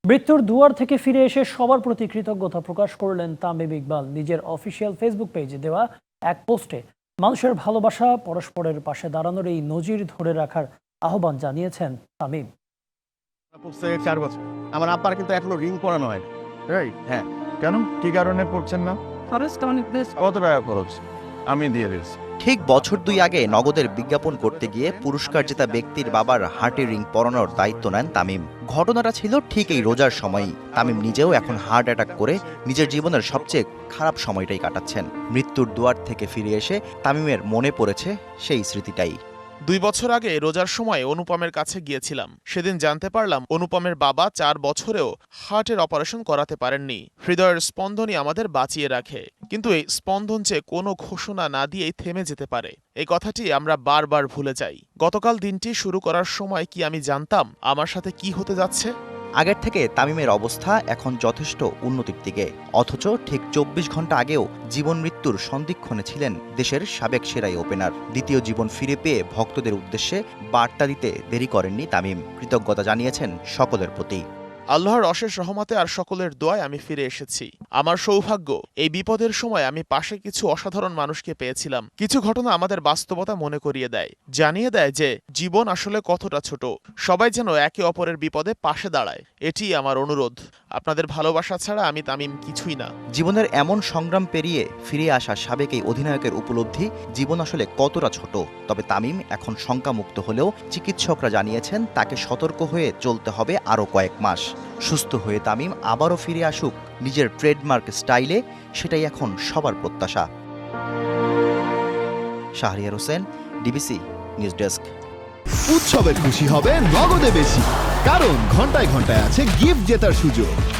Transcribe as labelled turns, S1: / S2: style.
S1: মৃত্যুর দুয়ার থেকে ফিরে এসে সবার প্রতি কৃতজ্ঞতা প্রকাশ করলেন তামিম ইকবাল। নিজের অফিসিয়াল ফেসবুক পেজে দেওয়া এক পোস্টে মানুষের ভালোবাসা, পরস্পরের পাশে দাঁড়ানোর এই নজির ধরে রাখার আহ্বান জানিয়েছেন তামিম।
S2: 4 বছর আমার আব্বার কিন্তু এখনো রিং পরানো হয়। রাইট? হ্যাঁ।
S3: কেন, কি কারণে পড়ছেন না? কত টাকা খরচ? আমি দিয়ে দিচ্ছি।
S4: ঠিক বছর 2 আগে নগদের বিজ্ঞাপন করতে গিয়ে পুরস্কার জেতা ব্যক্তির বাবার হার্টে রিং পরানোর দায়িত্ব নেন তামিম। ঘটনাটা ছিল ঠিক এই রোজার সময়ই। তামিম নিজেও এখন হার্ট অ্যাটাক করে নিজের জীবনের সবচেয়ে খারাপ সময়টাই কাটাচ্ছেন। মৃত্যুর দুয়ার থেকে ফিরে এসে তামিমের মনে পড়েছে সেই স্মৃতিটাই।
S5: 2 বছর আগে রোজার সময় অনুপমের কাছে গিয়েছিলাম। সেদিন জানতে পারলাম অনুপমের বাবা 4 বছরেও হার্টের অপারেশন করাতে পারেননি। হৃদয়ের স্পন্দনই আমাদের বাঁচিয়ে রাখে, কিন্তু এই স্পন্দন যে কোনো ঘোষণা না দিয়েই থেমে যেতে পারে, এই কথাটি আমরা বারবার ভুলে যাই। গতকাল দিনটি শুরু করার সময় কি আমি জানতাম আমার সাথে কি হতে যাচ্ছে?
S4: আগের থেকে তামিমের অবস্থা এখন যথেষ্ট উন্নতির দিকে, অথচ ঠিক 24 ঘন্টা আগেও জীবন মৃত্যুর সন্ধিক্ষণে ছিলেন দেশের সাবেক সেরাই ওপেনার। দ্বিতীয় জীবন ফিরে পেয়ে ভক্তদের উদ্দেশ্যে বার্তা দিতে দেরি করেননি তামিম। কৃতজ্ঞতা জানিয়েছেন সকলের প্রতি।
S5: আল্লাহর অশেষ রহমতে আর সকলের দোয়ায় আমি ফিরে এসেছি। আমার সৌভাগ্য, এই বিপদের সময় আমি পাশে কিছু অসাধারণ মানুষকে পেয়েছিলাম। কিছু ঘটনা আমাদের বাস্তবতা মনে করিয়ে দেয়, জানিয়ে দেয় যে জীবন আসলে কতটা ছোট। সবাই যেন একে অপরের বিপদে পাশে দাঁড়ায়, এটি আমার অনুরোধ। আপনাদের ভালোবাসা ছাড়া আমি তামিম কিছুই না।
S4: জীবনের এমন সংগ্রাম পেরিয়ে ফিরে আসা সাবেক এই অধিনায়কের উপলব্ধি জীবন আসলে কতটা ছোট। তবে তামিম এখন শঙ্কামুক্ত হলেও চিকিৎসকরা জানিয়েছেন তাকে সতর্ক হয়ে চলতে হবে আরও কয়েক মাস। সুস্থ হয়ে তামিম আবারও ফিরে আসুক নিজের ট্রেডমার্ক স্টাইলে, সেটাই এখন সবার প্রত্যাশা। Shahriar Hossain, DBC news desk.
S6: উৎসবের খুশি হবে নগদে বেশি, কারণ ঘন্টায় ঘন্টায় আছে গিফট জেতার সুযোগ।